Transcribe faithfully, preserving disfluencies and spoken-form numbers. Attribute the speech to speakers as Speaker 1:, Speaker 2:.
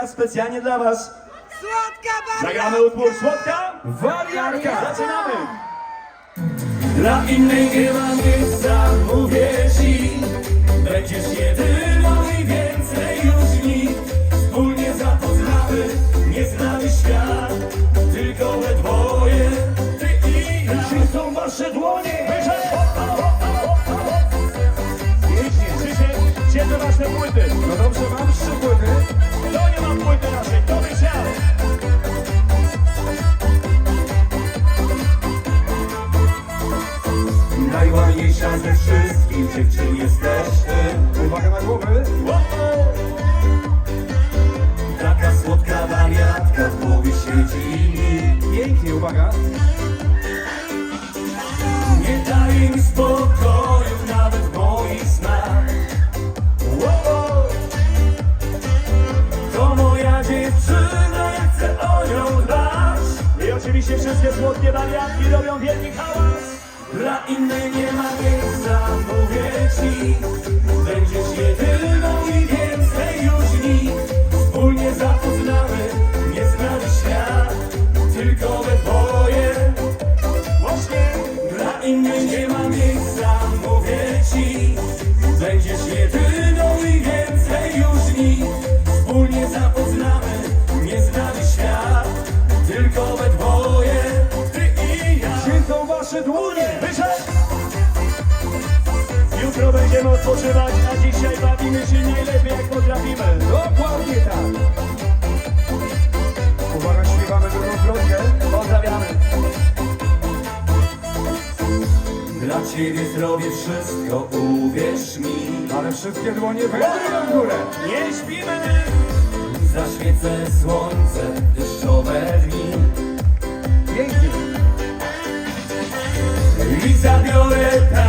Speaker 1: Specjalnie dla was
Speaker 2: Słodka wariatka!
Speaker 1: zagramy utwór Słodka
Speaker 3: Wariatka!
Speaker 1: Zaczynamy! Dla innej nie ma miejsca, mówię ci. Będziesz jedyną i więcej już nikt. Wspólnie zapoznamy nieznany świat. Tylko we dwoje, ty i ja. Czy są wasze dłonie? Wyżej! Pięknie, Krzysiek, gdzie te wasze płyty?
Speaker 3: No dobrze, mam trzy płyty.
Speaker 1: Kto nie ma płyty naszej? Kto by chciał? Najładniejsza ze wszystkich dziewczyn jesteśmy.
Speaker 3: Uwaga na głowy.
Speaker 1: Taka słodka wariatka w głowie siedzi.
Speaker 3: Pięknie, uwaga.
Speaker 1: Nie daje mi spokoju nawet w moich snach. To moja dziewczyna, ja chcę o nią dbać. I oczywiście wszystkie słodkie wariatki robią wielki hałas. Dla innej nie ma miejsca, mówię ci. Będziesz jedyną i więcej już nikt. Wspólnie zapoznamy nieznany świat. Tylko we dwoje. Właśnie. Dla innej nie ma miejsca, mówię ci. Będziesz jedyną i więcej już nikt. Wspólnie zapoznamy nieznany świat. Tylko we dwoje, ty i ja.
Speaker 3: Gdzie są wasze dłonie?
Speaker 1: Wyszedł! Jutro będziemy odpoczywać, a dzisiaj bawimy się najlepiej jak potrafimy.
Speaker 3: Dokładnie tak. Uwaga, śpiewamy drugą zwrotkę.
Speaker 1: Pozdrawiamy. Dla ciebie zrobię wszystko, uwierz mi.
Speaker 3: Ale wszystkie dłonie wędrują w górę.
Speaker 1: Nie śpimy! Zaświecę słońce, deszczowe dni.
Speaker 3: Pięknie.
Speaker 1: I zabiorę